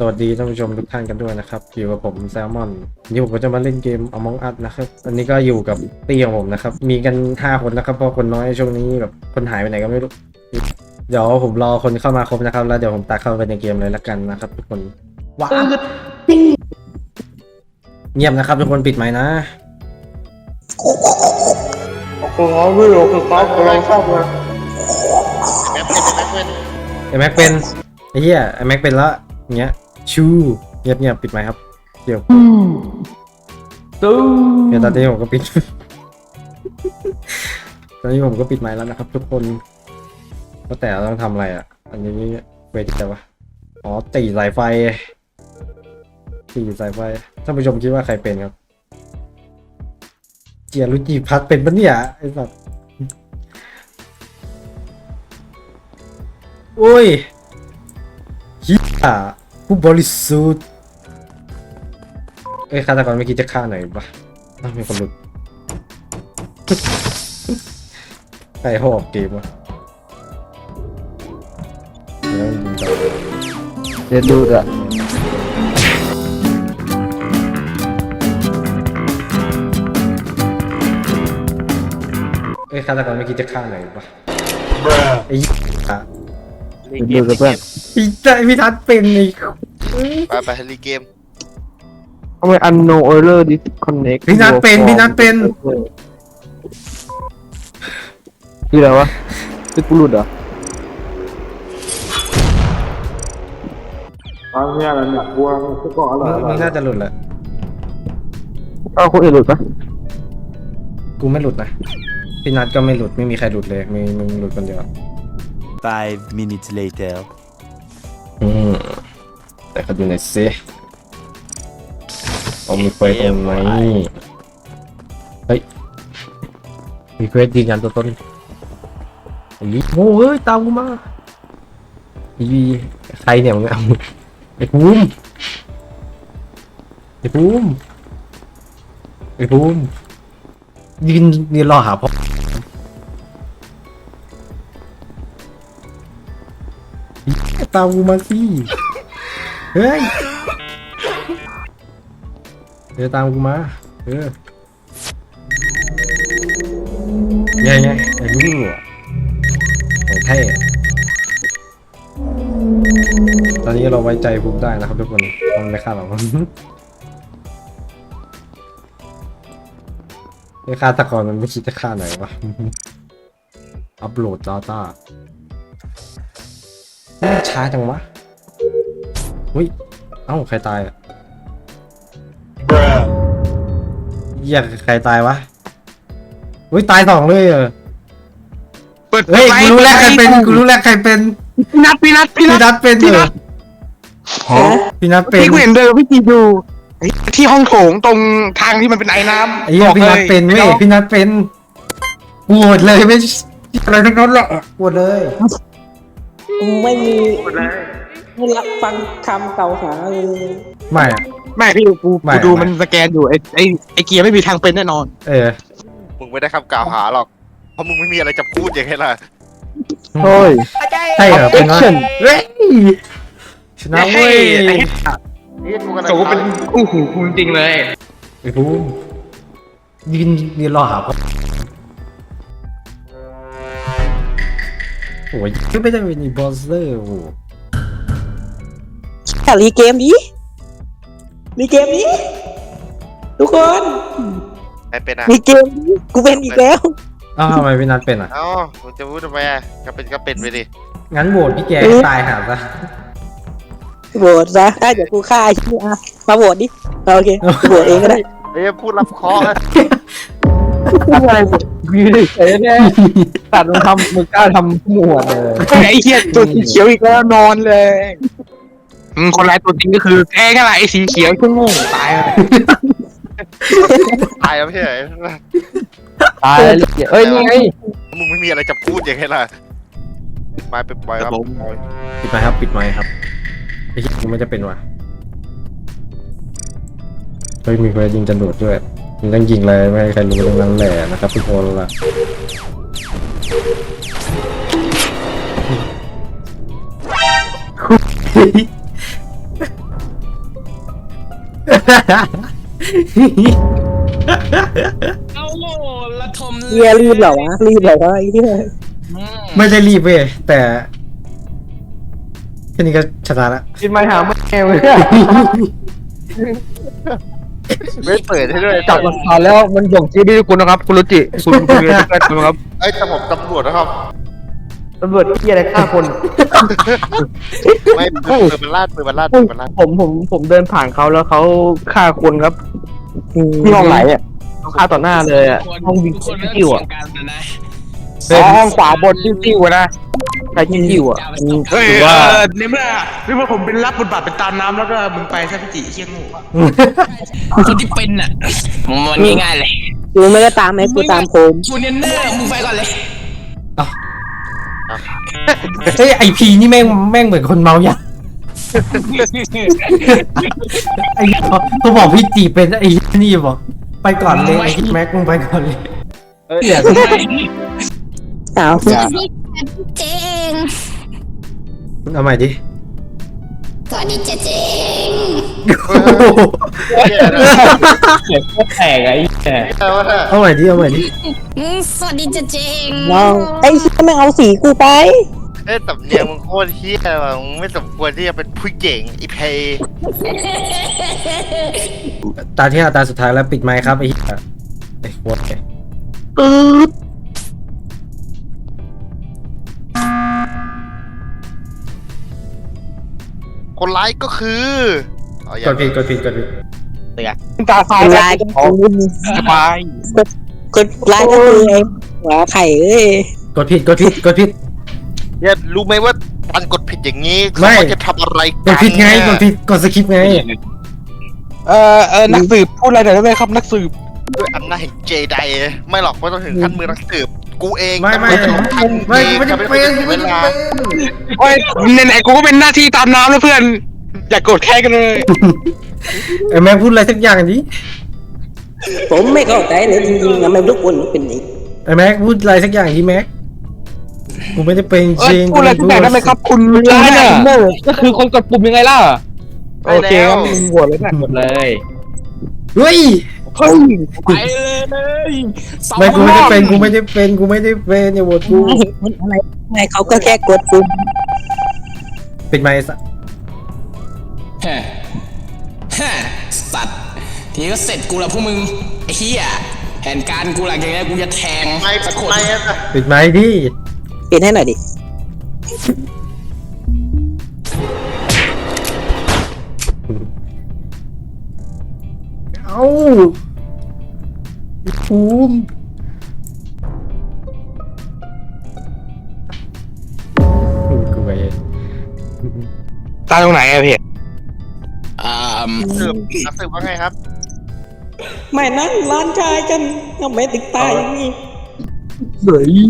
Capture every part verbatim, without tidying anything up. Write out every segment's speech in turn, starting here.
วัสดีท่านผู้ชมทุกท่านกันด้วยนะครับอยู่กับผมแซลมอนวันนี้ผมก็จะมาเล่นเกม Among Us นะครับวันนี้ก็อยู่กับตี้ของผมนะครับมีกันห้าคนนะครับเพราะคนน้อยช่วงนี้แบบคนหายไปไหนก็ไม่รู้เดี๋ยวผมรอคนเข้ามาครบนะครับแล้วเดี๋ยวผมตัดเข้าไปในเกมเลยละกันนะครับทุกคนว้าวเงียบนะครับทุกคนปิดไมค์นะโอ้โหไม่รู้คือเขากำลังชอบเลยไอแม็กเป็นไอเหี้ยไอแม็กเป็นละอย่างเงี้ยชูเงียบเงียบปิดไมค์ครับเดี๋ยวตู้เดี๋ยวตอนนี้ผมก็ปิด ตอนนี้ผมก็ปิดไมค์แล้วนะครับทุกคนก็แต่เราต้องทำอะไรอ่ะอันนี้เวทีแต่ว่าอ๋อตีสายไฟตีสายไฟท่านผู้ชมคิดว่าใครเป็นครับเจียรุจิพัดเป็นปะเนี่ยไอ้สัสโอ้ยเฮียผู้บริสุทธิ์เอ้ยฆาตกรไม่คิดจะฆ่าหน่อยปะอ้าวมีคนหลุด ใครเขาออกเกมวะแล้วยิงต่อเดี๋ยวดูอ่ะเอ้ยฆาตกรไม่คิดจะฆ่าหน่อยปะไอ้เหี้ยดูกับเพื่อนพี่ใจพี่ทัศน์เป็นไอ้ไปไปรีเกมทำไม unknown error disconnect พี่นัทเป็นพี่นัทเป็นคืออะไรวะคือกูหลุดเหรออันนี้อะไรเนี่ยบัวมันก็อร่อยมึงน่าจะหลุดแหละเอาคนอื่นหลุดปะกูไม่หลุดนะพี่นัทก็ไม่หลุดไม่มีใครหลุดเลยมีมึงหลุดคนเดียว Five minutes later. อืมแต่ก็ดูหน่อยสิเอามีเควสตรงไหนเฮ้ยมีเควสยืนยันตัวตนไอ้โง่เอ้ยตามกูมาอีใครเนี่ยมึงเอาไอ้ภูมิไอ้ภูมิไอ้ภูมิยืนยืนรอหาพ่อตามกูมาสิเฮ้ยเดี๋ยวตามกูมาเออไงไงไอ้รู้อ่ะของแท้ตอนนี้เราไว้ใจภูมิได้นะครับทุกคนมันไม่ฆ่าเรา ไอ้ฆาตกรมันไม่คิดจะฆ่าไหนวะ อัปโหลด data มันช้าจังวะอุ้ยเอ้าใครตายอ่ะเหี้ยใครตายวะอุ้ยตายสองเลยเหรอเฮ้ยกูรู้แล้วใครเป็นกูรู้แล้วใครเป็นพี่นัทพี่นัทพี่พี่นัทนัทเป็นเหรอพี่นัทเป็นพี่กูเห็นเดินพี่จีดูที่ห้องโถงตรงทางที่มันเป็นไอ้น้ำไอ้เหี้ยพี่นัทเป็นเว้ยพี่นัทเป็นปวดเลยไม่อะไรทั้งนั้นแหละปวดเลยไม่มีไม่รับฟังคำเก่าหาเลยไม่อะไม่พี่กูไม่กูดูไม่มันสแกนอยู่ไอ้ไอ้ไอ้เกียร์ไม่มีทางเป็นแน่นอนเออมึงไม่ได้คำกล่าวหาหรอกเพราะมึงไม่มีอะไรจะพูดอย่างไรล่ะโอ้ยใช่เหรอเป็นวะ Action เฮ้ยชนะเว้ยไอ้นี่มึงอะไรโจเป็นคู่หูคุณจริงเลยไอ้ภูมิยืนยืนรอหาพ่อโอ้ยไม่ได้เป็นอีบอสเลอร์โอ้โหแต่รีเกมดิรีเกมดิทุกคนใครเป็นอ่ะรีเกมดิกูเป็นอีกแล้วอ้าวทำไมพี่นัทเป็นอ่ะเอ้ามึงจะพูดทำไมอ่ะก็เป็นก็เป็นไปดิงั้นโหวตพี่แกให้ตายหาซะโหวตซะได้เดี๋ยวกูฆ่าไอ้ที่อ่ะมาโหวตดิเอาโอเคกูโหวตเองก็ได้เฮ้ยพูดรับเคราะห์อะอะไรยืนเฉยแน่ตัดมึงทำมึงกล้าทำหมวดเลยไอ้เหี้ยตัวสีเขียวอีกแล้วนอนเลยอืมคนร้ายตัวจริงก็คือแกก็แหละไอ้สีเขียวก็โง่ตายเลยตายแล้วไม่ใช่เหรอตายแล้วเอ้ยนี่ไงมึงไม่มีอะไรจะพูดอย่างไรล่ะมาไปปล่อยครับปล่อยปิดไมค์ครับปิดไมค์ครับไอ้ที่กูไม่จะเป็นว่ะเฮ้ยมีเพื่อนยิงจรวดด้วยมึงต้องยิงเลยไม่ให้ใครรู้ตรงนั้นแหละนะครับทุกคนล่ะเอาโง่ละทมเฮียรีบเหรอวะรีบเหรอวะไอ้เหี้ยไม่ได้รีบเว้ยแต่แค่นี้ก็ชนะละกินมาหาแม่เลยไม่เปิดให้ด้วยจับหลักฐานแล้วมันส่งชี้ไปที่คุณนะครับคุณรุจิคุณคุณเรียนได้ไหมครับไอ้ยแต่ผมตำรวจนะครับตำรวจที่อะไรฆ่าคนไม่ปืนมันลาดปืนมันลาดปืนมันลาดผมผมผมเดินผ่านเขาแล้วเขาฆ่าคนครับที่ห้องไหนอ่ะเขาฆ่าต่อหน้าเลยอ่ะห้องวิ่งคนเริ่มจิ้วเสียอ่ะงกันนะนะอ๋อห้องขวาบนจิ้วๆนะใครจิ้วๆอ่ะเฮ้ยว่าในเมื่อในเมื่อผมเป็นรับบทบาทเป็นตามน้ำแล้วก็มึงไปซะพี่จิเชี่ยงูคนที่เป็นอ่ะมันง่ายๆเลยกูไม่ได้ตามไหมกูตามโคมคุณเนเนอร์มึงไปก่อนเลยเฮ้ยไอพีนี่แม่งแม่งเหมือนคนเมายาไอ้เขาเขาบอกพี่จีเป็นไอ้นี่บอกไปก่อนเลยไอ้แม็กมึงไปก่อนเลยอ้าวสวัสดีค่ะเจงเอาใหม่ดิสวัสดีเจเจงแตกไอ้แก่เอาใหม่ดิเอาใหม่ดิอืมสวัสดีเจเจงน้องไอ้เหี้ยไม่งเอาสีกูไปเอ้ยสำเนียงมึงโคตรเฮี้ยว่ะมึงไม่สมควรที่จะเป็นผู้หญิงอีเพย์ตาที่ห้าตาสุดท้ายแล้วปิดไมค์ครับไอ้เหี้ยไอ้โคตรแกคนร้ายก็คือเอาอย่ากดผิดกดผิดกดผิดตาคฟ้านร้ายก็คือสบายคนร้ายก็คือไอ้หัวไข่เอ้ยกดผิดกดผิดกดผิดเนี่ยรู้ไหมว่าการกดผิดอย่างนี้ไม่เขาจะทำอะไรกกัดนผิดไงกดผิดกดสคริปต์ไงเอ่อเออนักสืบพูดอะไรหน่อยได้ไหมครับนักสืบด้วยอำนาจแห่งเจไดไม่หรอกไม่ต้องถึงขั้นมือนักสืบกูเองไม่ไม่ตำรวจของท่านไม่กูไม่ได้จะเป็นคนกูเวไม่ได้ลาเป็นโอ้ยไหนๆกูก็เป็นหน้าที่ตามน้ำแล้วเพื่อน อย่ากโกรธแค้นกันเลยไอ้แม็กพูดอะไรสักอย่างดิผมไม่เข้าใจเลยจริงๆทำไมทุกคนเป็นอย่างนี้ไอ้แม็กพูดอะไรสักอย่างดิแม็กกูไม่ได้เป็นเอจอริงพูดอะไรทุกอย่างได้ไหมครับ คุณร้ายเนี่ยก็คือคนกดปุ่มยังไงล่ะโอเคงั้นมึงโหวตเลยนะหมดเลยเฮ้ยเฮ้ยไปเลยสองไม่กูไม่ได้เป็นรอบกูไม่ได้เป็นกูไม่ได้เป็นอย่าโหวตกูอะไรไงเขาก็แค่กดปุ่มปิดไมค์ซะฮะฮะสัตว์ทีนี้ก็เสร็จกูละพวกมึงไอ้เหี้ยแผนการกูหลังจากนี้กูจะแทงไม่สักคนไม่อะปิดไมค์ดิปิดให้หน่อยดิเอ้าภูมิกูไปตายตรงไหนอะพี่อ่าสืบนักสืบว่าไงครับไม่นั่นร้านชายกันทำไมถึงตายอย่างนี้เฮ้ย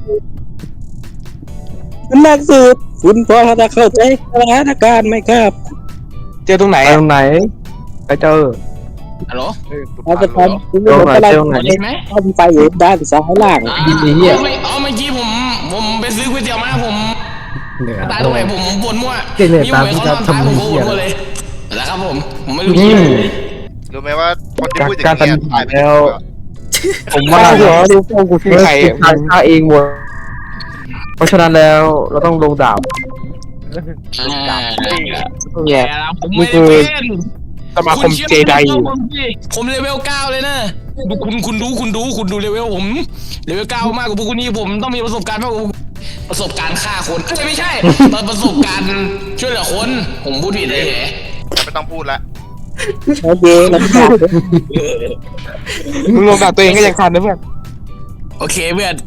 นักสืบคุณพอจะเข้าใจสถานการณ์ไหมครับเจอตรงไหนตรงไหนไปเจอฮัลโหลเราจะทำคุณตรงไหนอะไรตรงไหนได้ยินไหมเข้าไปอยู่ด้านซ้ายล่างอ่ายินดีเหี้ยอ๋อไม่อ๋อเมื่อกี้ผมผมไปซื้อก๋วยเตี๋ยวมาผมเหนือตายตรงไหนผมบ่นมั่วเจ๊เนี่ยมีตามหวยที่เขาจะนอนตายผมทำก็เหี้บ่ยนมั่วเลยแล้วครับผมผมไม่รู้อืชื่อมรู้ไหมว่าคนที่พูดอย่างการตัดนี้สินตายไปแล้ว ผมว่าเหรอดูพวกกูที่ใครมันฆ่าเองหมดเพราะฉะนั้นแล้วเราต้องลงดาบอ่าเนี่ยแต่ละผมนี่ไม่คืได้อเป็นสมาคมณชื่อเจไดผมสิผมเลเวลเก้าเลยนะดูคุณคุณดูคุณดูคุณดูเลเวลผมเลเวลเก้ามากกว่าพวกคุณนี่ผมต้องมีประสบการณ์มากกว่าประสบการณ์ฆ่าคนเอ้ยไม่ใช่ ประสบการณ์ช่วยเหลือคนผมพูดผิดเลยเหรอไม่ต้องพูดละโอเคมันขาดมึงลงดาบตัวเองก็ยังทันนะเพื่อนโอเคเพื่อน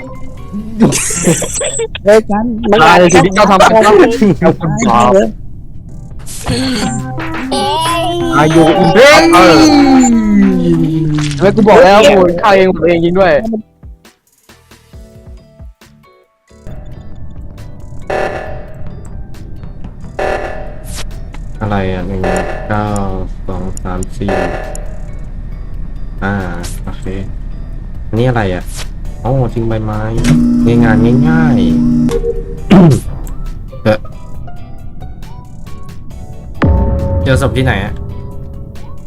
เลยกันมันตายในสิ่งที่เขาทำกันครับเอาคุณขอโอ้อายุอินเออแล้วกูบอกแล้วกูฆ่าเองผมเองยิงด้วยอะไรอ่ะหนึ่งเก้าสองสามสี่อ่าโอเคอันนี้อะไรอ่ะอ๋อทิ้งใบไม้ง่ายงานง่ายๆ เออเจอศพที่ไหนอ่ะ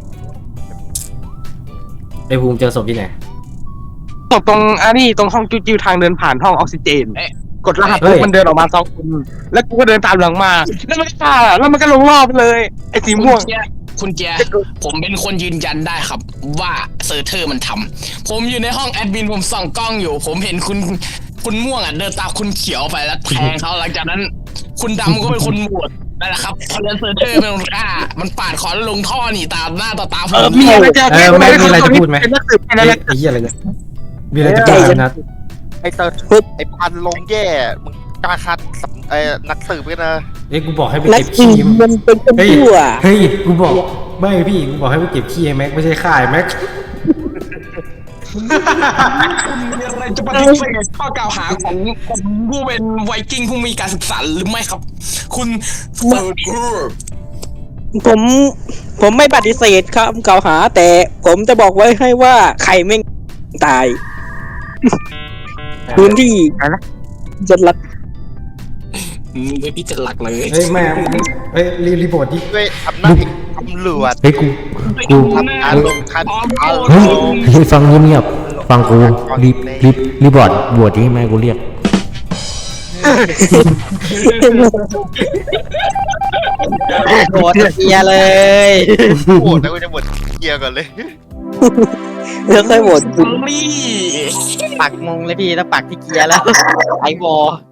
ไอ้ภูมิเจอศพที่ไหนตกตรงอันนี้ตรงห้องจิ้วๆทางเดินผ่านห้องออกซิเจน กดรหัสเฮ้ปุ๊ยบมันเดินออกมาสองคนแล้วกูก็เดินตามหลังมาแล้วมันก็ฆ่าแล้วมันก็ลงรอบไปเลยไอ้สีคุณม่วงเจียคุณเจียผมเป็นคนยืนยันได้ครับ ว่าเซอร์เทอร์มันทำผมอยู่ในห้องแอดมินผมส่องกล้องอยู่ ผมเห็นคุณคุณม่วงอ่ะเดินตามคุณเขียวไปแล้วแทงเขาหลังจากนั้น คุณดำก็เป็นคนโหวตนั่นแหละครับพอเล่นเซอร์เทอร์เป็นคนฆ่ามันปาดคอแล้วลงท่อหนีตามหน้าต่อตาผเออมมีอะไรจะเออไม่มีอะไรจะพูดไหมเป็นนักสืบเป็นไอ้อะไรไอ้เหี้ยอะไรเนี่ยมีอะไรจะพูดไหมนัดไอ้เติร์ดไอ้พันลงแย่มึงกล้าคัดสับไอ้นักสืบกันนะเอ้ยกูบอกให้ไปนักเก็บขี่ขี้มันเป็นคนเฮ้ยชั่วเฮ้ยกูบอกไม่พี่กูบอกให้ไปเก็บขี้ไอ้แม็กไม่ใช่ฆ่าไอ้แม็กคุณมีอะไรจะปฏิเสธข้อกล่าวหาของผมผู้เป็นไวกิ้งผู้มีการศึกษาหรือไม่ครับ คุณเซอร์เทอร์ผมผมไม่ปฏิเสธคำกล่าวหา แต่ผมจะบอกไว้ให้ว่าใครไม่งตาย พื้นที่จะรัดอืมไม่พี่จะหลักเลยเฮ้ยแม่เฮ้ยรีรีบอร์ดดิด้วยอำนาจแห่งตำรวจเฮ้ยกู กูทำการลงทันเอาเฮ้ยเฮ้ยฟังเงียบๆฟังกูรีบรีบรีบอร์ดบวชที่แม่กูเรียกโหดเกียเลยโหวตแล้วกูจะบวชเกียร์ก่อนเลยแล้วค่อยโหวตนี่ปักมงเลยพี่แล้วปักที่เกียร์แล้วไอวอ